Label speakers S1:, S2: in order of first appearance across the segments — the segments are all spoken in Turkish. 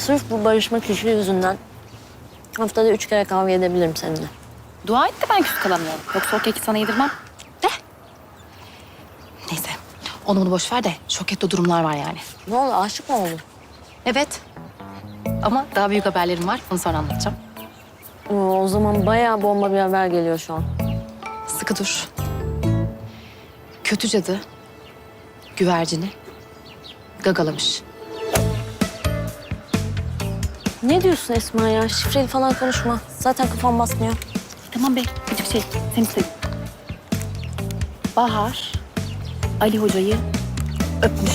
S1: Sırf bu barışma kişi yüzünden haftada 3 kere kavga edebilirim seninle.
S2: Dua et de ben küs kalamıyorum. Yoksa o keki sana yedirmem. De. Neyse. Onu bunu boş ver de Şoket'te durumlar var yani.
S1: Ne oldu, aşık mı oldun?
S2: Evet. Ama daha büyük haberlerim var. Bunu sonra anlatacağım.
S1: O zaman bayağı bomba bir haber geliyor şu an.
S2: Sıkı dur. Kötü cadı güvercini gagalamış.
S1: Ne diyorsun Esma ya? Şifreli falan konuşma. Zaten kafam basmıyor.
S2: Tamam be. Küçük şey. Sen istedin. Bahar Ali Hoca'yı öpmüş.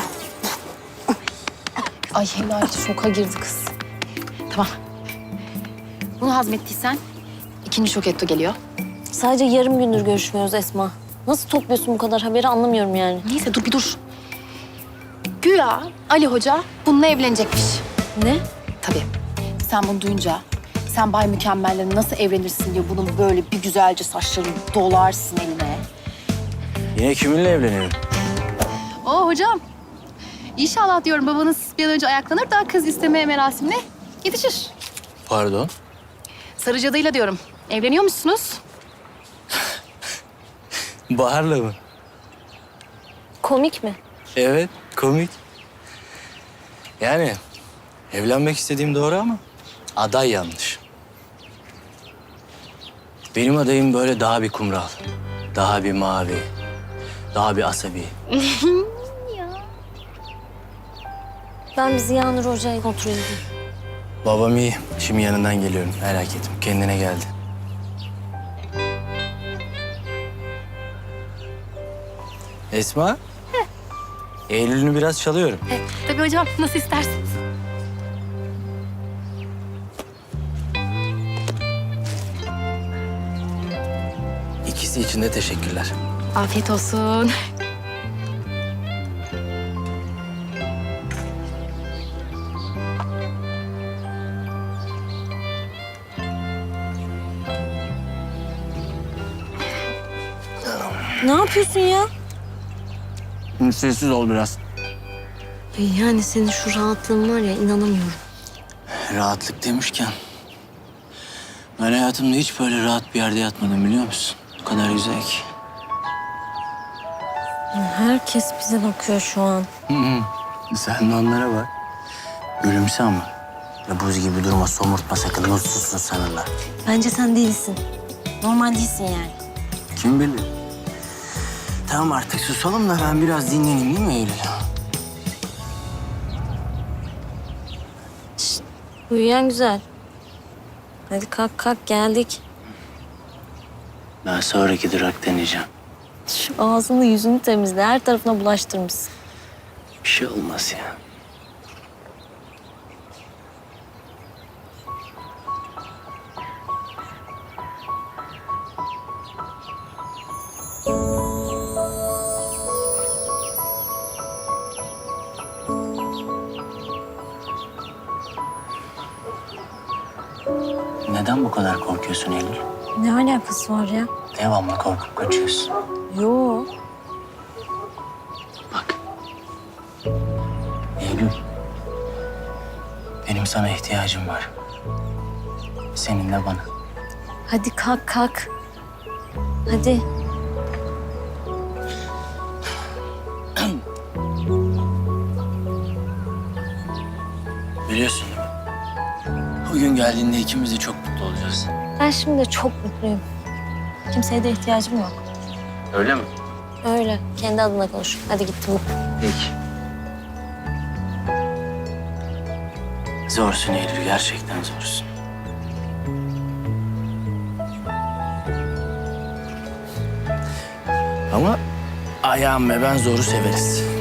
S2: Ay helal şoka girdi kız. Tamam. Bunu hazmettiysen ikinci şoketto geliyor.
S1: Sadece yarım gündür görüşmüyoruz Esma. Nasıl topluyorsun bu kadar haberi anlamıyorum yani.
S2: Neyse dur bir dur. Güya Ali Hoca bununla evlenecekmiş.
S1: Ne?
S2: Tabii. Sen bunu duyunca sen Bay Mükemmel'le nasıl evlenirsin diye bunun böyle bir güzelce saçlarını dolarsın eline.
S3: Yine kiminle evleniyorum?
S2: Oo hocam. İnşallah diyorum babanız bir an önce ayaklanır da kız isteme merasimine yetişir.
S3: Pardon?
S2: Sarı cadıyla diyorum. Evleniyor musunuz?
S3: Bahar'la mı?
S1: Komik mi?
S3: Evet, komik. Yani evlenmek istediğim doğru ama aday yanlış. Benim adayım böyle daha bir kumral, daha bir mavi, daha bir asabi.
S1: Ben bir Ziya Nur Hoca'yı kontrol edeyim.
S3: Babam iyi. Şimdi yanından geliyorum. Merak etme. Kendine geldi. Esma? Eylül'ünü biraz çalıyorum.
S2: Tabii hocam nasıl isterseniz.
S3: İkisi için de teşekkürler.
S2: Afiyet olsun.
S1: Ne yapıyorsun ya?
S3: Sessiz ol biraz.
S1: Yani senin şu rahatlığın var ya, inanamıyorum.
S3: Rahatlık demişken... ben hayatımda hiç böyle rahat bir yerde yatmadım biliyor musun? O kadar güzel ki.
S1: Herkes bize bakıyor şu an.
S3: Sen de onlara bak. Gülümse ama. Ya buz gibi durma, somurtma sakın. Nursuzsun sanırlar.
S1: Bence sen değilsin. Normal değilsin yani.
S3: Kim bilir? Tamam artık susalım da ben biraz dinleneyim değil mi Eylül?
S1: Uyuyan güzel. Hadi kalk kalk, geldik.
S3: Ben sonraki durak deneyeceğim.
S1: Şu ağzını yüzünü temizle. Her tarafına bulaştırmışsın.
S3: Bir şey olmaz ya. Neden bu kadar korkuyorsun Eylül?
S1: Ne alakası var ya?
S3: Devamlı korkup kaçıyorsun.
S1: Yo.
S3: Bak. Eylül. Benim sana ihtiyacım var. Senin de bana.
S1: Hadi kalk kalk. Hadi.
S3: Biliyorsun değil mi? O gün geldiğinde ikimiz de çok mutlu olacağız.
S1: Ben şimdi de çok mutluyum. Kimseye de ihtiyacım yok.
S3: Öyle mi?
S1: Öyle. Kendi adına konuş. Hadi gittim.
S3: Peki. Zorsun Eylül, gerçekten zorsun. Ama ayağım ve ben zoru severiz.